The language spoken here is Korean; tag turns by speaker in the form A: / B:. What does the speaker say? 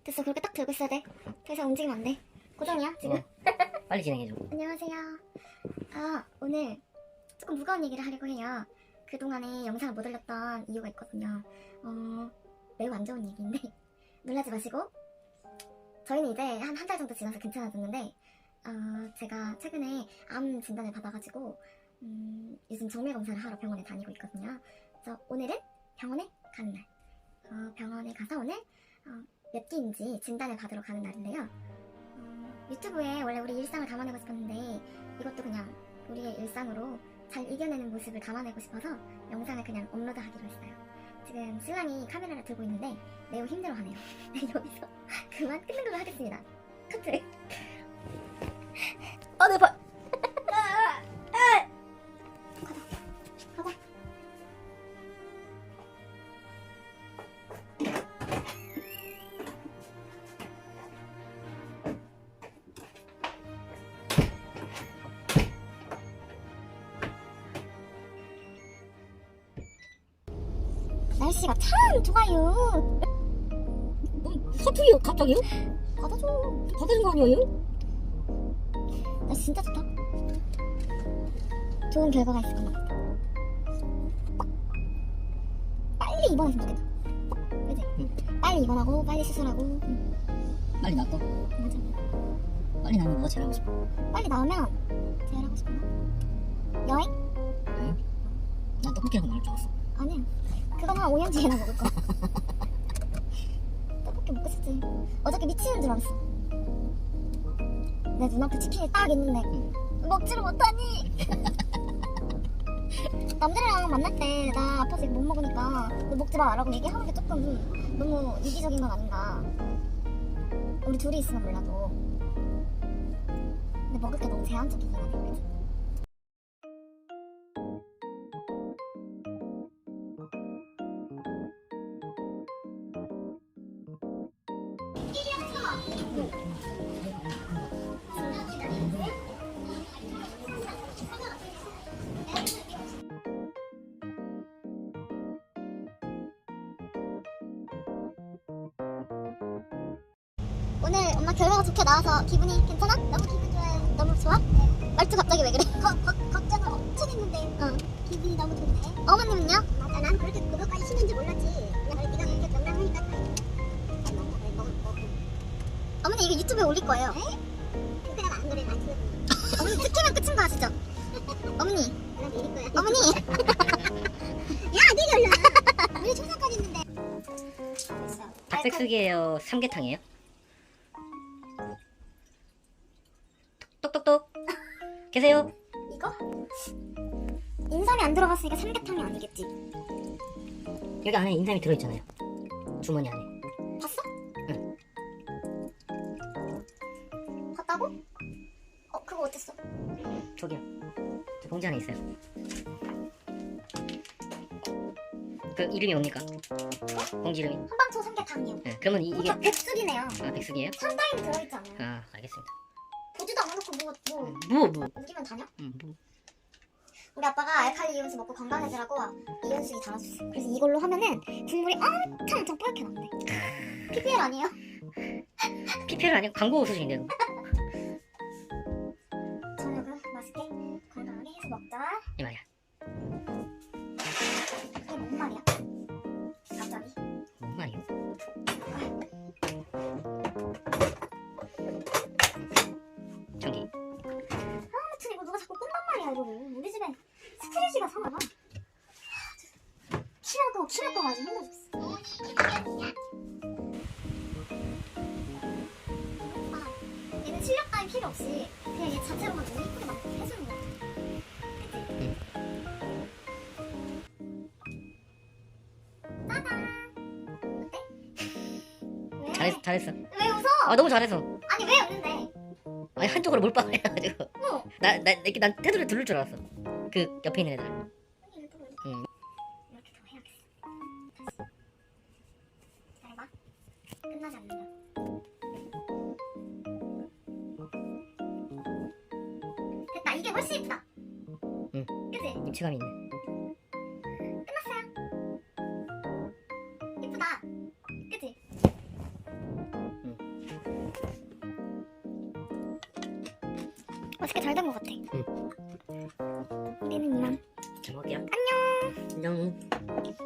A: 됐어. 그렇게 딱 들고 있어야 돼. 더 이상 움직이면 안 돼. 고정이야 지금.
B: 빨리 진행해줘.
A: 안녕하세요. 오늘 조금 무거운 얘기를 하려고 해요. 그동안에 영상을 못 올렸던 이유가 있거든요. 매우 안 좋은 얘기인데 놀라지 마시고, 저희는 이제 한 달 정도 지나서 괜찮아졌는데 제가 최근에 암 진단을 받아가지고 요즘 정밀 검사를 하러 병원에 다니고 있거든요. 그래서 오늘은 병원에 가는 날. 병원에 가서 오늘 몇 기인지 진단을 받으러 가는 날인데요. 유튜브에 원래 우리 일상을 담아내고 싶었는데 이것도 그냥 우리의 일상으로 잘 이겨내는 모습을 담아내고 싶어서 영상을 그냥 업로드하기로 했어요. 지금 신랑이 카메라를 들고 있는데 매우 힘들어하네요. 여기서 그만 끊는 걸로 하겠습니다. 커트. 내 발. 가자. 날씨가 참 좋아요.
B: 사투리요? 갑자기요?
A: 받아줘.
B: 받아준 거 아니에요?
A: 날씨 진짜 좋다. 좋은 결과가 있을 겁니다. 빨리 입원했으면 좋겠다. 그치? 빨리 입원하고 빨리 수술하고.
B: 빨리 나왔다.
A: 맞아.
B: 빨리 나면 뭐가 제일 하고 싶어?
A: 빨리 나오면 제일 하고 싶은 거 여행?
B: 응? 난 떡볶이라고 나올 줄 알았어.
A: 아니야. 그건 한 5년 뒤에나 먹을 거야. 떡볶이 먹고 싶지. 어저께 미치는 줄 알았어. 내 눈앞에 치킨이 딱 있는데 먹지를 못하니. 남들이랑 만날 때 나 아파서 이거 못 먹으니까 너 먹지 마라고 얘기하는 게 조금 너무 이기적인 건 아닌가. 우리 둘이 있으면 몰라도. 근데 먹을 게 너무 제한적이긴 하네. 그치? 오늘 엄마 결과가 좋게 나와서 기분이 괜찮아? 너무 기분 좋아요. 너무 좋아? 말투 갑자기 왜 그래? 걱정을 엄청 했는데 기분이 너무 좋네. 어머님은요? 맞아, 난 그렇게 그것까지 신는지 몰랐지. 그냥 네가 그렇게 명랑하니까 어머니 이거 유튜브에 올릴 거예요. 에? 그냥 안 그래, 안 찍어. 어머니 찍히면 끝인 거 아시죠? 어머니. 난 내릴 거야. 어머니. 야, 내리 올라. 우리 초상까지 있는데.
B: 닭백숙이에요? 삼계탕이에요? 똑똑똑 계세요?
A: 이거? 인삼이 안 들어갔으니까 삼계탕이 아니겠지.
B: 여기 안에 인삼이 들어있잖아요. 주머니 안에.
A: 봤어?
B: 응.
A: 봤다고? 그거 어땠어?
B: 저기요. 저 봉지 안에 있어요. 그 이름이 뭡니까? 봉지 이름이?
A: 한방초 삼계탕이요.
B: 네, 그러면 이게
A: 백숙이네요.
B: 아, 백숙이에요?
A: 상당히 들어있지 않아요?
B: 아, 알겠습니다.
A: 보지도 않아놓고
B: 뭐?
A: 옮기면 다냐?
B: 뭐?
A: 우리 아빠가 알칼리 이온수 먹고 건강해지라고 이온수기 달아줬어. 그래서 이걸로 하면은 국물이 엄청 뽀얗게 나온대. PPL 아니에요?
B: PPL 아니고 광고 웃으신데요?
A: 저녁은 맛있게 건강하게 해서 먹자.
B: 이 말이야.
A: 그게 뭔 말이야? 갑자기?
B: 뭔 말이요? 저기.
A: 아무튼 이거 누가 자꾸 끈단 말이야 이거를. 우리 집에 스트레지가 상하나? 키랄 거가 아주 힘들어 죽겠어. 얘는 실력 따위 필요 없이 그냥 얘 자체로만 너무 예쁘게 막 해주는 거야. 그치? 짜잔! 어때? 왜?
B: 잘했어.
A: 왜 웃어?
B: 아, 너무 잘했어.
A: 아니 왜 웃는데?
B: 아니, 한쪽으로 몰빵을 해가지고.
A: 어.
B: 난 테두리를 두를 줄 알았어. 그 옆에 있는 애들. 응.
A: 이렇게 더 해야겠어. 다시. 기다려봐. 끝나지 않는다. 됐다. 이게 훨씬 예쁘다.
B: 응.
A: 그치?
B: 입체감이 있네.
A: 끝났어요. 예쁘다. 그치? 맛있게 잘 된 것 같아. 우리는 이만.
B: 잘 먹을게요.
A: 안녕.
B: 안녕.